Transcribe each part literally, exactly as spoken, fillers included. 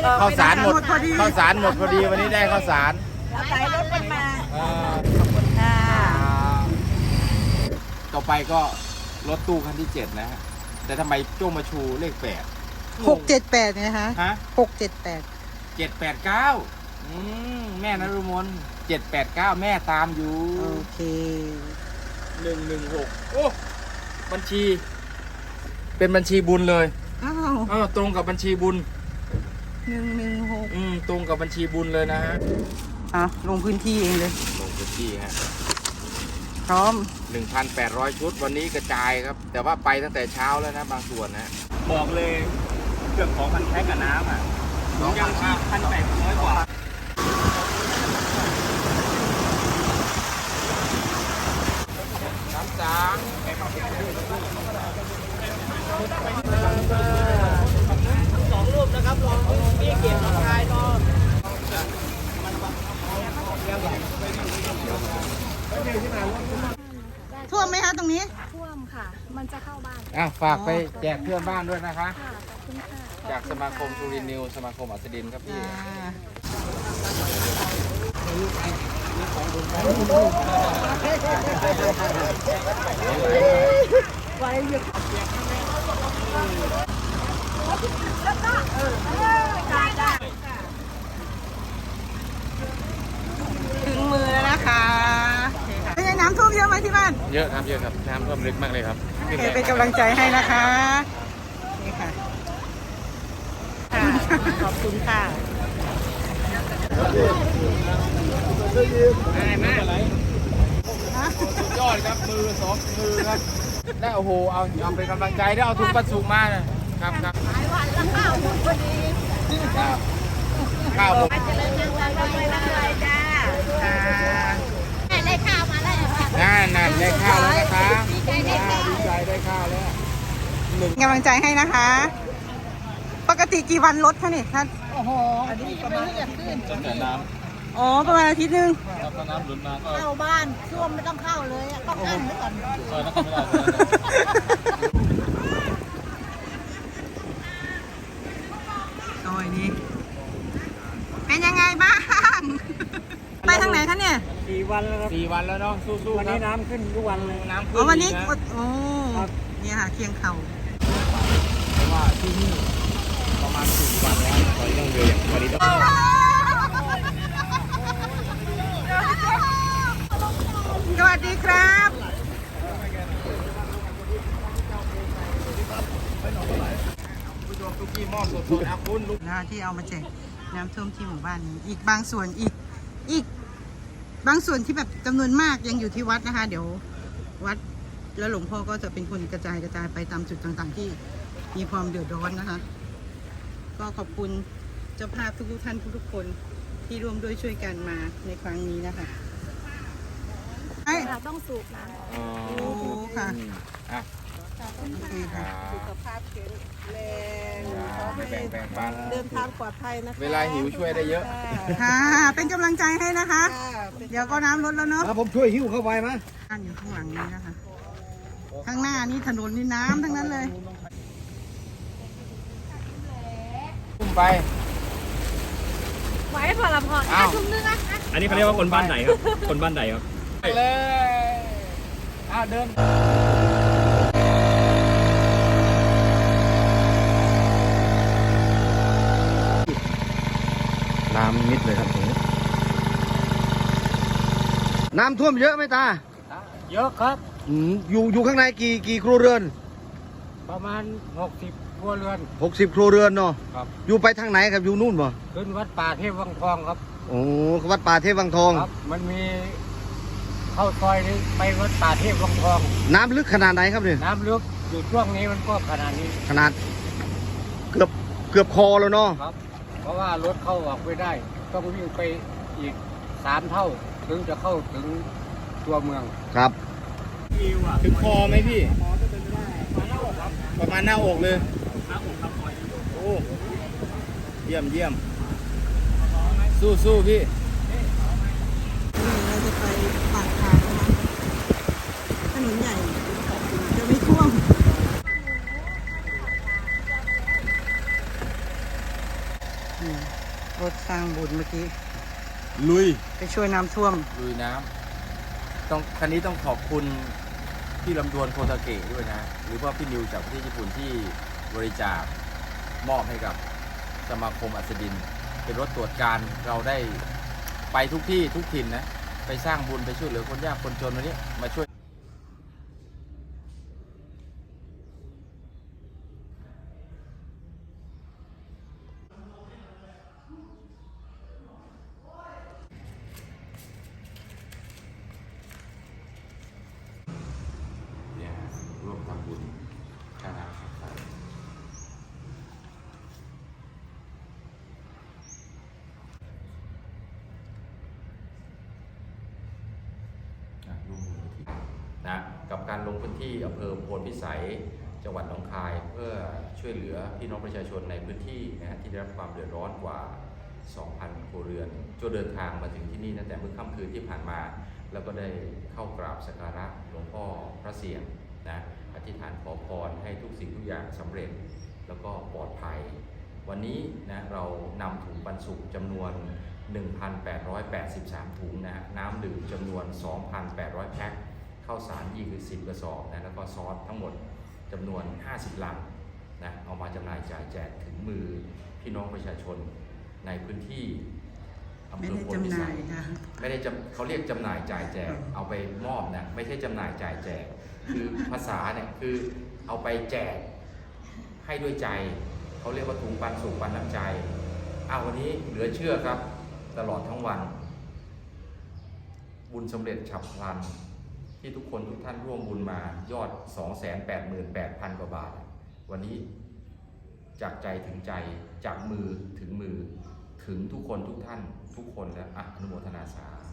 ข้าวสารหมดพอดีข้าวสารหมดพอดีวันนี้ได้ข้าวสารสายรถมันมาเอ่อขอบคุณค่ะต่อไปก็รถตู้คันที่เจ็ดนะฮะแต่ทำไมโจ้มาชูเลขแปดหกเจ็ดแปดไงคะฮะหกเจ็ดแปดเจ็ดแปดเก้าอืมแม่นรุมนเจ็ดแปดเก้าแม่ตามอยู่โอเคหนึ่งหนึ่งหกโอ้บัญชี เป็นบัญชีบุญเลยอ้าวเออตรงกับบัญชีบุญหนึ่งหนึ่งหกอืมตรงกับบัญชีบุญเลยนะฮะอ่ะลงพื้นที่เองเลยลงพื้นที่ฮะพร้อมหนึ่งพันแปดร้อยชุดวันนี้กระจายครับ แต่ว่าไปตั้งแต่เช้าแล้วนะบางส่วนนะบอกเลยเกือบสองพันแพ็คกับน้ำอ่ะสองพัยังนชีพพันแปดร้อยกว่าน้ำสางสองรูปนะครับรอพี่เก็บราคายรอท่วมไหมคะตรงนี้ท่วมค่ะ มันจะเข้าบ้านอ่ะฝากไปแจกเพื่อนบ้านด้วยนะคะค่ะ ขอบคุณค่ะจากสมาคมสุรินทร์นิวสมาคมอัสดินครับพี่อ่า ถึงมือแล้วนะคะโอเคค่ะเป็นไงน้ำท่วมเยอะไหมที่บ้านเยอะครับเยอะครับน้ำท่วมลึกมากเลยครับโอเคเป็นกำลังใจให้นะคะ นี่ค่ะค่ะ ขอบคุณค่ะง่ายมากยอดครับมือสองมือครับได้โอ้โหเอาเอาเป็นกำลังใจได้เอาถุงปัสสุมานะครับครับหลายวันแล้วข้าวหมดพอดีข้าวหมดค่ะได้ข้าวมาแล้วค่ะนั่นนั่นได้ข้าวแล้วนะคะดีใจได้ข้าวแล้วกำลังใจให้นะคะ ปกติกี่วันลดคะนี่ท่านโอ้โหอันนี้ประมาณตั้งแต่น้อ๋อ ประมาณอาทิตย์หนึงำถ้าน้ำหลุดมาก็เข้าบ้านท่วมไม่ต้องเข้าเลยอะต้องอั้นไว้ก่อนซอยนั้นก็ไม่ได้ซอยนี้ เป็นยังไงบ้าง ไปทางไหนคะเนี่ยสี่วันแล้วครับสี่วันแล้วเนาะสู้ๆวันครันี้บน้ำขึ้นทุกวันเลยน้ำอ๋ขึ้อน วันนี้อีกกนะดโอ้เนี่ยค่ะเคียงเข่าเพราะว่าที่นี่ประมาณสี่วันแล้วตอนนี้ต้องเดินวันนี้ต้องสวัสดีครับผู้ชมทุกที่มอบสดๆนะคุณลูกนะที่เอามาแจกน้ำท่วมที่หมู่บ้านนี้ อีกบางส่วนอีกอีกบางส่วนที่แบบจำนวนมากยังอยู่ที่วัดนะคะ เดี๋ยววัดแล้วหลวงพ่อก็จะเป็นคนกระจายกระจายไปตามจุดต่างๆ ที่มีความเดือดร้อนนะคะ ก็ขอบคุณเจ้าภาพทุกๆท่านทุกๆคนที่ร่วมด้วยช่วยกันมาในครั้งนี้นะคะไอ้เราต้องสูบน้ำออกอ๋อโอ้ค่ะอ่ะโอเคครัค่ะบสุขภาพแข็งแรงขอไม่ให้แบ่งแบ่งปันเดินทางปลอดภัยนะคะเวลาหิวช่วยได้เยอะค่ะ เป็นกำลังใจให้นะคะค่ะเป็นเดี๋ยวก็น้ำลดแล้วเนาะผมช่วยหิ้วเข้าไปมั้ยบ้านอยู่ข้างหลังนี้นะคะ ข้างหน้านี่ถนนนี่น้ำทั้งนั้นเลยขึ้นไปไว้พอละพออ้าวทุ่มนึงอะอันนี้เขาเรียกว่าคนบ้านไหนครับ คนบ้านไหนครับไปเลยอ้าวเดินน้ำมิดเลยครับตรงนี้น้ำท่วมเยอะไหมตาเยอะครับอืมอยู่อยู่ข้างในกี่กี่ครัวเรือนประมาณหกสิบครัวเรือนหกสิบครัวเรือนเนาะครับอยู่ไปทางไหนครับอยู่นู่นบ่ขึ้นวัดป่าเทพวังทองครับโอ้วัดป่าเทพวังทองครับ มันมีเข้าซอยนี้ไปวัดป่าเทพวังทองน้ำลึกขนาดไหนครับเนี่ยน้ำลึกอยู่ช่วงนี้มันก็ขนาดนี้ขนาด เกือบเกือบคอแล้วเนาะครับ เพราะว่ารถเข้าออกไม่ได้ ต้องวิ่งไปอีกสามเท่า ถึงจะเข้าถึงตัวเมืองครับถึงคอไหมพี่ประมาณหน้าอกเลยโอ้เยี่ยมเยี่ยมสู้สู้พี่เราจะไปปากทางนะคะถนนใหญ่จะไม่ท่วมนี่รถสร้างบุญเมื่อกี้ลุยไปช่วยน้ำท่วมลุยน้ำต้องคันนี้ต้องขอบคุณพี่ลำดวนโคตาเกะด้วยนะ หรือว่าพี่นิวจากประเทศญี่ปุ่นที่บริจาคมอบให้กับสมาคมอัศดิน เป็นรถตรวจการเราได้ไปทุกที่ทุกถิ่นนะ ไปสร้างบุญไปช่วยเหลือคนยากคนจนวันนี้มาช่วยเนี่ยร่วมทำบุญค่าน้ำค่าไฟนะกับการลงพื้นที่อำเภอโพนพิสัยจังหวัดหนองคายเพื่อช่วยเหลือพี่น้องประชาชนในพื้นที่นะฮะที่ได้รับความเดือดร้อนกว่า สองพัน ครัวเรือนจนเดินทางมาถึงที่นี่ตั้งแต่เมื่อค่ำคืนที่ผ่านมา แล้วก็ได้เข้ากราบสักการะหลวงพ่อพระเสียรนะอธิษฐานขอพรให้ทุกสิ่งทุกอย่างสำเร็จแล้วก็ปลอดภัย วันนี้นะเรานำถุงปันสุขจำนวน หนึ่งพันแปดร้อยแปดสิบสาม ถุงนะฮะน้ำดื่มจำนวน สองพันแปดร้อย แพ็คข้าวสารยี่สิบกระสอบนะแล้วก็ซอสทั้งหมดจำนวนห้าสิบลังนะเอามาจำหน่ายจ่ายแจกถึงมือพี่น้องประชาชนในพื้นที่อำเภไม่อได้โพนจำพิหน่าสัยยค่ะไม่ได้จำเขาเรียกจำหน่ายจ่ายแจกเอาไปมอบนะไม่ใช่จำหน่ายจ่ายแจกคือภาษาเนี่ยคือเอาไปแจกให้ด้วยใจเขาเรียกว่าถุงปันสุขปันน้ำใจอ้าววันนี้เหลือเชื่อครับตลอดทั้งวัน บุญสำเร็จฉับพลันที่ทุกคนทุกท่านร่วมบุญมายอด สองแสนแปดหมื่นแปดพัน กว่าบาท วันนี้จากใจถึงใจจากมือถึงมือถึงทุกคนทุกท่านทุกคนแล้วอ่ะอนุโมทนาสาธุ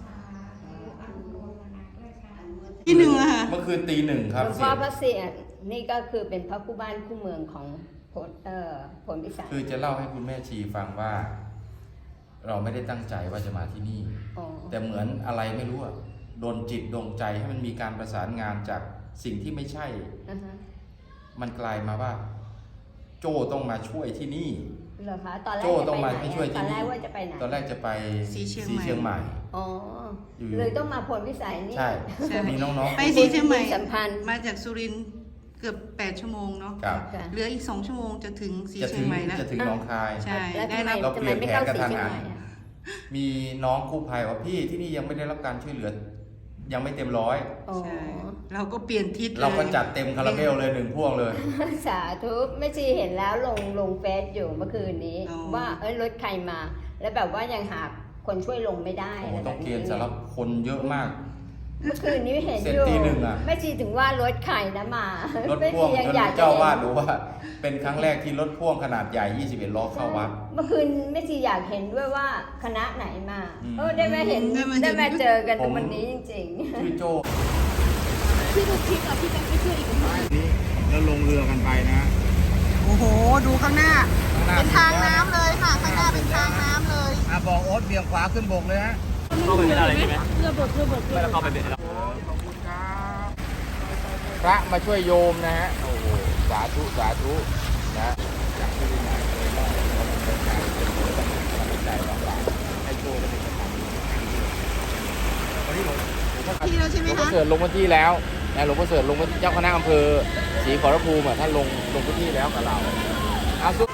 ที่หนึ่งอะค่ะเมื่อคืนตีหนึ่งคหรับลวงพ่อพระเสียรนี่ก็คือเป็นพระคู่บ้านคู่เมืองของผลเอ่อผลพิสัยคือจะเล่าให้คุณแม่ชีฟังว่า เราไม่ได้ตั้งใจว่าจะมาที่นี่อ๋อแต่เหมือนอะไรไม่รู้อะโดนจิตดลใจให้มันมีการประสานงานจากสิ่งที่ไม่ใช่อ่าฮะมันกลายมาว่า โจ้ต้องมาช่วยที่นี่เหรอคะตอนแรกโจ้จะต้องไปมาไหนให้ช่วยตที่อนแรนี่กว่าจะไปไหนตอนแรกจะไปสีเชียงใหม่สีเชียงใหม่อ๋ออยู่เลยต้องมาผลพิสัยนี่ใช่ใช่มีน้องๆไปสีเชียงใหม่สัมพันธ์มาจากสุรินทร์เกือบแปดชั่วโมงเนาะครับค่ะเหลืออีกสองชั่วโมงจะถึงสีจะเชีถึยงงใหม่แล้วจะถึงหนองคายใช่แล้วได้ทำไมรับเราทำเปไมลี่ยนไม่แผนเข้ากระสีทันเชียงหันใหม่อะมีน้องกู้ภัยว่าพี่ที่นี่ยังไม่ได้รับการช่วยเหลือ ยังไม่เต็มร้อยอ๋อใช่เราก็เปลี่ยนทิศเราก็ลยจัดเต็มคาราเบลเลยหนึ่งพ่วงเลยสาธุแม่ชีเห็นแล้วลงลงเฟซอยู่เมื่อคืนนี้อ๋อว่าเอ้ยรถใครมา แล้วแบบว่ายังหาคนช่วยลงไม่ได้โอ้โหอะไรต้องเกณฑ์สำหรับคนเยอะมากเมื่อคืนนี้เห็นเสร็จอยู่ตีหนึ่งอะแม่ชีถึงว่ารถใครนะมารถแม่พ่วชีงยังจนอยากจะเจ้าวาดเห็นรู้ว่า เป็นครั้งแรกที่รถพ่วงขนาดใหญ่ ยี่สิบเอ็ดล้อเข้าวัดเมื่อคืนแม่ชีอยากเห็นด้วยว่าคณะไหนมาอืมเออได้มาเห็นได้มาเห็นได้มาเจอกันผมวันนี้จริงชื่อโจ้พี่ดูคลิปอ่ะพี่แบงค์ไปช่วยอีกคนนี่แล้วลงเรือกันไปนะโอ้โห ดูข้างหน้าข้างหน้าเป็นทางน้ำเลยค่ะ ข้างหน้าเป็นทางน้ำเลยอ่ะบอกโอ๊ตเบี่ยงขวาขึ้นบกเลยฮะเข้าไปไม่ได้เลยใช่ไหมเรือบดเรือบดไม่แล้วเข้าไปเป็นขอบคุณครับพระมาช่วยโยมนะฮะ โอ้โห สาธุ สาธุ นะจากที่ได้มาเลยนะเราเป็นการเป็นคนตั้งใจวางหลังให้โชคได้เป็นประจำวันนี้หลวงหลวงพ่อที่แล้วใช่ไหมหลวงพ่อคะเสริฐลงพื้นที่แล้วนะหลวงพ่อเสริฐลงพื้นที่เจ้าคณะอำเภอศรีขอรภูมิอะท่านลงลงพื้นที่แล้วกับเราเอาสุ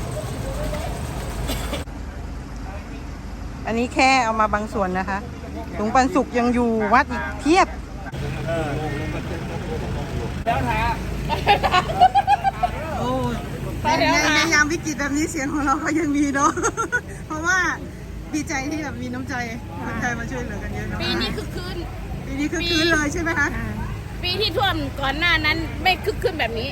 อันนี้แค่เอามาบางส่วนนะคะถุงปันสุกยังอยู่วัดอีกเพียบแล้วนะโอ้ยในในยามวิกฤตแบบนี้เสียงของเราก็ยังมีเนาะ เพราะว่าดีใจที่แบบมีน้ำใจคนไทยมาช่วยเหลือกันเยอะเนาะปีนี้คึกคืนปีนี้คือคืนเลยใช่ไหมคะปีที่ท่วมก่อนหน้านั้นไม่คึกคืนแบบนี้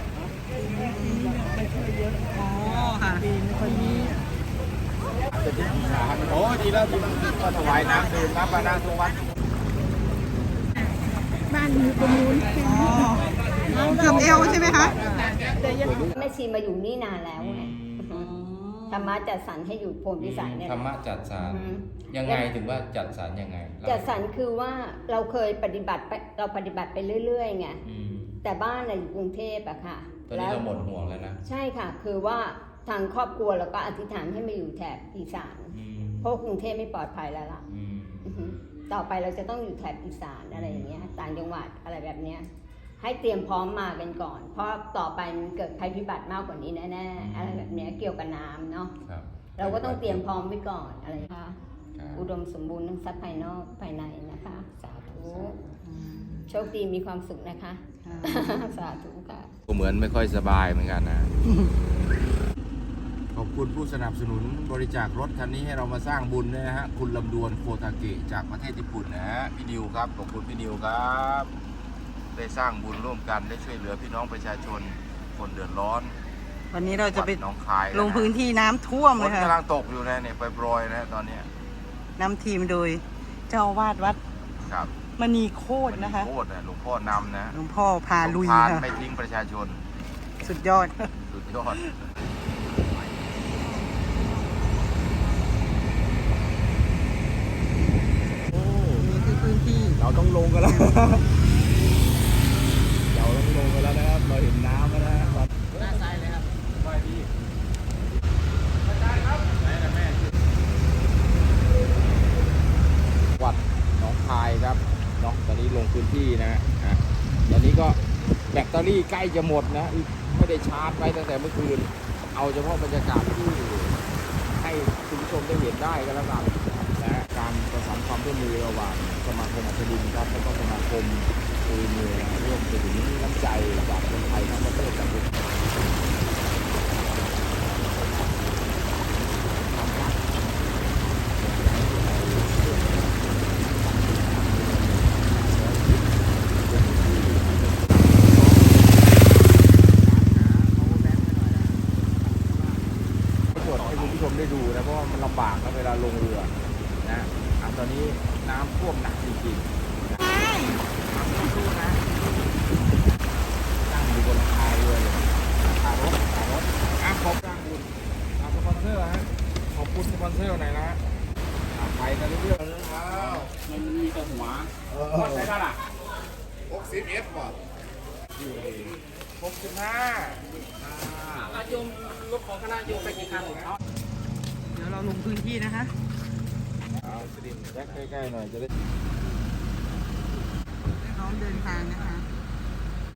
อ๋อค่ะโอ้ดีแล้วดีแล้วก็ถวายน้ำดื่มน้ำปานาทุกวันบ้านอยู่ตรงนู้นอ๋อเกือบเอวใช่ไหมคะๆแม่ชีมาอยู่นี่นานแล้วไงธรรมะจัดสรรให้อยู่โพนพิสัยเนี่ยธรรมะจัดสรรอืมยังไงถึงว่าจัดสรรยังไงจัดสรรคือว่าเราเคยปฏิบัติไปเราปฏิบัติไปเรื่อยๆไงอืมแต่บ้านน่ะอยู่กรุงเทพอะค่ะตอนนี้เราหมดห่วงแล้วนะใช่ค่ะ คือว่าทางครอบครัวเราก็อธิษฐานให้มาอยู่แถบอีสานเพราะกรุงเทพไม่ปลอดภัยแล้วล่ะอือฮึต่อไปเราจะต้องอยู่แถบอีสานอะไรอย่างเงี้ยต่างจังหวัดอะไรแบบเนี้ยให้เตรียมพร้อมมากันก่อน เพราะต่อไปมันเกิดภัยพิบัติมากกว่านี้แน่ๆอะไรแบบเนี้ยเกี่ยวกับน้ำเนาะครับเราก็ต้องเตรียมพร้อมไว้ก่อนอะไรนะคะครับอุดมสมบูรณ์ทั้งทรัพย์ภายนอกภายในนะคะสาธุโชคดีมีความสุขนะคะ สาธุค่ะก็เหมือนไม่ค่อยสบายเหมือนกันนะ ขอบคุณผู้สนับสนุนบริจาครถคันนี้ให้เรามาสร้างบุญด้วยนะฮะคุณลำดวนโคทาเกะจากประเทศญี่ปุ่นนะฮะพี่นิวครับขอบคุณพี่นิวครับได้สร้างบุญร่วมกันได้ช่วยเหลือพี่น้องประชาชนคนเดือดร้อนวันนี้เราจะไปวัดหนองคายะลงพื้นที่น้ำท่วมฝเลนยค่ะกำลังตกอยู่นะเนี่ยปล่อยๆนะตอนเนี้ยนำทีมโดยเจ้าอาวาสวัดครับมณีโคตรนะคะโคตรนะหลวงพ่อนำนะหลวงพ่อพาลุยสมภารค่ะไม่ทิ้งประชาชนสุดยอดสุดยอดนี่คือพื้นที่เราต้องลงกันแล้ว เราต้องลงกันแล้วนะครับ เราเห็นน้ำแล้วนะครับหน้าซ้ายเลยครับไปดีวัดหนองคายครับเนาะตอนนี้ลงพื้นที่นะอ่ะตอนนี้ก็แบตเตอรี่ใกล้จะหมดนะไม่ได้ชาร์จไว้ตั้งแต่เมื่อคืน เอาเฉพาะบรรยากาศที่ให้คุณผู้ชมได้เห็นได้ก็แล้วกันนะการประสานความร่วมมือระหว่างสมาคมอัศดินครับแล้วก็สมาคมตุยมือร่วมไปถึงน้ำใจจากคนไทยทั้งประเทศจากทุกส่วนให้คุณผู้ชมได้ดูนะเพราะว่ามันลำบากนะเวลาลงเรือนะอ่ะตอนนี้น้ำท่วมหนักจริงๆนะทำต้องสู้นะนั่งอยู่บนหลังคาเรือเลยขารถขารถอ่ะขอบสร้างบุญอ่ะสปอนเซอร์ฮะขอบคุณสปอนเซอร์หน่อยนะอ่ะไปกันเรื่อยๆแล้วมันมีแต่หัวก็ใช้ได้ล่ะหกสิบเอฟป่ะหกสิบห้าโยมรถของคณะโยมไปกี่คันเดี๋ยวเราลงพื้นที่นะคะเอาสลิมแจ็คใกล้ๆหน่อยจะได้พร้อมเดินทางนะคะ